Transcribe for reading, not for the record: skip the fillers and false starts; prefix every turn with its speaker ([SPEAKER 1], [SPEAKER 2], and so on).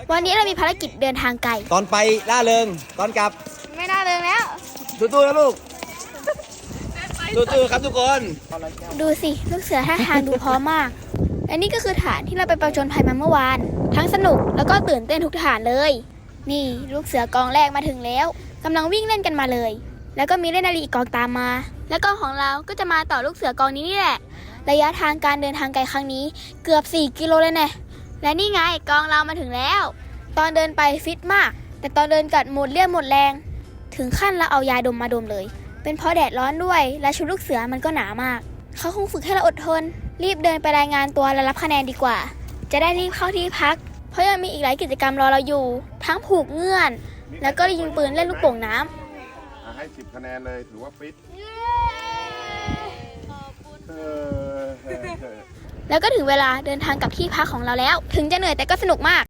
[SPEAKER 1] วันนี้เรามีภารกิจเดินทางไกล
[SPEAKER 2] ตอนไปล่าเริงตอนกลับ
[SPEAKER 1] ไม่น่าเริงแล้ว
[SPEAKER 2] ตู้ๆนะลูกตู้ๆครับทุกคน
[SPEAKER 1] ดูสิลูกเสือท่าทางดูพร้อมมากและนี่ก็คือฐานที่เราไปประจนภัยมาเมื่อวานทั้งสนุกแล้วก็ตื่นเต้นทุกฐานเลยนี่ลูกเสือกองแรกมาถึงแล้วกำลังวิ่งเล่นกันมาเลยแล้วก็มีเล่นนาฬิกองตามมาแล้วกองของเราก็จะมาต่อลูกเสือกองนี้นี่แหละระยะทางการเดินทางไกลครั้งนี้เกือบ4 กิโลเลยแน่และนี่ไงกองเรามาถึงแล้วตอนเดินไปฟิตมากแต่ตอนเดินกัดหมดเรี่ยวหมดแรงถึงขั้นเราเอายาดมมาดมเลยเป็นเพราะแดดร้อนด้วยและชุดลูกเสือมันก็หนามากเขาคงฝึกให้เราอดทนรีบเดินไปรายงานตัวและรับคะแนนดีกว่าจะได้รีบเข้าที่พักเพราะยังมีอีกหลายกิจกรรมรอเราอยู่ทั้งผูกเงื่อนแล้วก็ยิงปืนเล่นลูกโป่งน้ำ
[SPEAKER 3] ให้10 คะแนนเลยถือว่าฟิต
[SPEAKER 1] แล้วก็ถึงเวลาเดินทางกลับที่พักของเราแล้วถึงจะเหนื่อยแต่ก็สนุกมาก